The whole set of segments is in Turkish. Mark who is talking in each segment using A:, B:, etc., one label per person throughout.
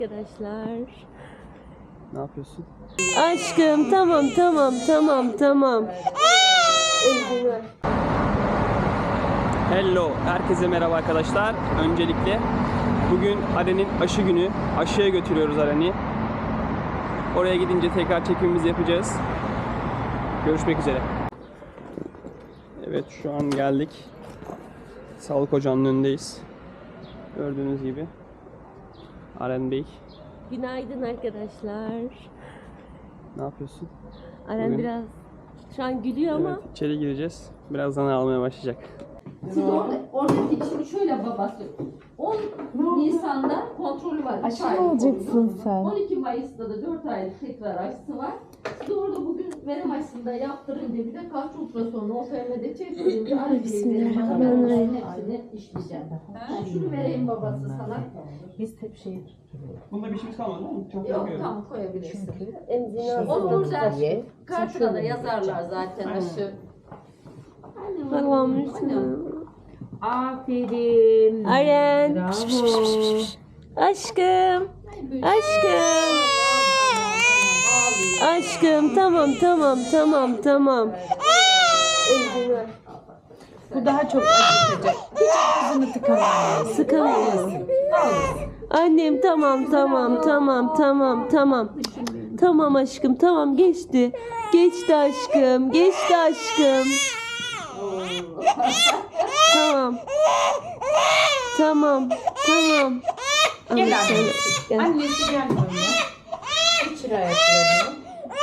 A: Arkadaşlar.
B: Ne yapıyorsun?
A: Aşkım tamam.
B: Hello, herkese merhaba arkadaşlar. Öncelikle bugün Aren'in aşı günü. Aşıya götürüyoruz Aren'i. Oraya gidince tekrar çekimimizi yapacağız. Görüşmek üzere. Evet, şu an geldik. Sağlık ocağının önündeyiz. Gördüğünüz gibi. Aren Bey.
A: Günaydın arkadaşlar.
B: Ne yapıyorsun?
A: Aren
B: Bugün-
A: biraz şu an gülüyor ama
B: Evet, içeri gireceğiz. Birazdan ağlamaya başlayacak.
C: Siz oradaki şimdi şöyle babası 10 Nisan'da kontrolü var.
D: Aşı mı olacaksın sen?
C: 12 Mayıs'ta da 4 aylık tekrar aşısı var. Siz orada bugün verem aşısında yaptırınca bir de kalç ultrasonu OFM'de çektiğince
A: Bismillahirrahmanirrahim.
C: hepsini işleyeceğim. Ben şunu vereyim babası sana.
D: Biz hep şey
B: Bunda bir şeyimiz kalmadı değil mi? Çok
C: Yok tamam koyabilirsin.
A: emzini
C: Onu burada
D: Ye.
C: kartına da yazarlar zaten aşı.
A: Allah'ım
C: Annem.
A: üstüne.
D: Aferin.
A: Aren.
D: Bravo.
A: Aşkım tamam. Emzini.
D: Bu daha çok acıtacak. Ağzını tıkamayın.
A: Sıkamıyorum. Annem tamam. Tamam aşkım tamam geçti. Geçti aşkım. Tamam.
D: Gel
A: Ama
D: annesi.
A: gel.
D: Annesi gel böyle. İçir ayaklarını.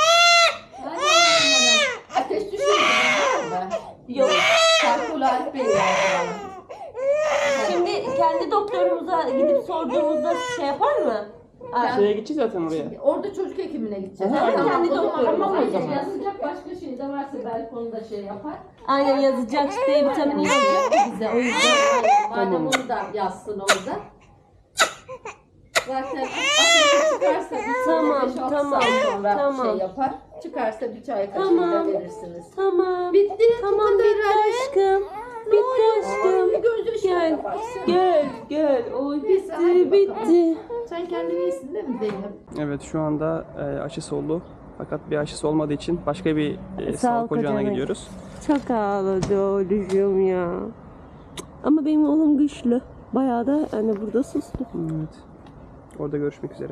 C: Ateş düşürdün mü?
A: Yok.
C: Kalkül Alp Bey yazdı.
A: Şimdi kendi doktorumuza gidip sorduğumuzda şey yapar mı?
B: Şeye gideceğiz zaten oraya.
C: Orada çocuk hekimine gideceğiz.
A: Aha,
C: Tamam,
A: kendi
C: o zaman
A: doktorumuz
C: tamam,
A: o zaman.
C: yazacak başka şey de varsa belki onu da şey yapar.
A: Aynen yazacak D vitamini yazacak ya bize. O yüzden
C: Madem onu da yazsın orada. Zaten ateşi çıkarsa bir
A: Tamam,
C: 5-6
A: tamam,
C: saat sonra
A: tamam.
C: şey yapar. Çıkarsa bir çay kaşığı
A: Tamam.
C: da verirsiniz.
A: tamam.
C: Bitti.
A: Tamam bitti aşkım. Bitti aşkım.
C: Bir gözü
A: Gel.
C: şöyle baksana.
A: Gel. Oy
C: Hadi
A: bitti.
C: Sen kendini iyisin değil mi Zeynep?
B: Evet, şu anda aşısı oldu. Fakat bir aşısı olmadığı için başka bir sağlık ocağına
A: ocağına.
B: gidiyoruz.
A: Çok ağladı oğlum ya. Ama benim oğlum güçlü. Bayağı da hani burada suslu.
B: Evet. Orada görüşmek üzere.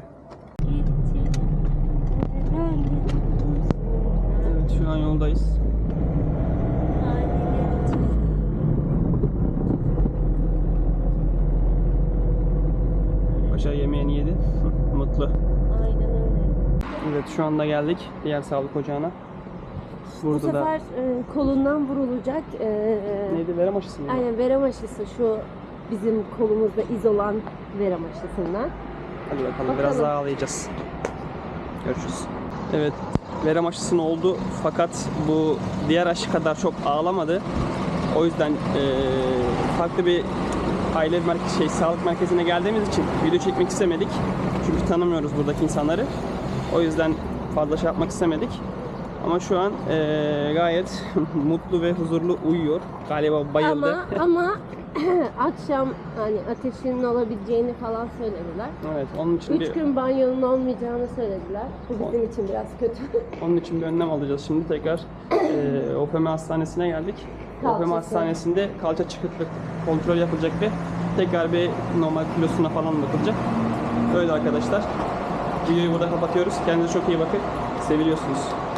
B: Evet, şu an yoldayız. Paşa yemeğini yedi. Mutlu.
A: Aynen öyle.
B: Evet, şu anda geldik diğer sağlık ocağına.
A: Bu
B: Burada da
A: sefer kolundan vurulacak.
B: neydi, verem aşısı mı?
A: Aynen verem aşısı şu bizim kolumuzda iz olan verem aşısından.
B: Hadi bakalım, biraz daha ağlayacağız. Görüşürüz. Evet, verem aşısının oldu fakat bu diğer aşı kadar çok ağlamadı. O yüzden farklı bir sağlık merkezine geldiğimiz için video çekmek istemedik. Çünkü tanımıyoruz buradaki insanları. O yüzden fazla şey yapmak istemedik. Ama şu an gayet mutlu ve huzurlu uyuyor. Galiba bayıldı.
A: Ama akşam hani ateşinin olabileceğini falan söylediler.
B: Evet, onun için
A: 3 gün banyonun olmayacağını söylediler. Bu bizim için biraz kötü.
B: Onun için bir önlem alacağız. Şimdi tekrar OPM Hastanesi'ne geldik.
A: Kalçası.
B: OPM Hastanesi'nde kalça çıkıklık kontrol yapılacak ve tekrar bir normal kilosuna falan bakılacak. Öyle arkadaşlar. Videoyu burada kapatıyoruz. Kendinize çok iyi bakın. Seviliyorsunuz.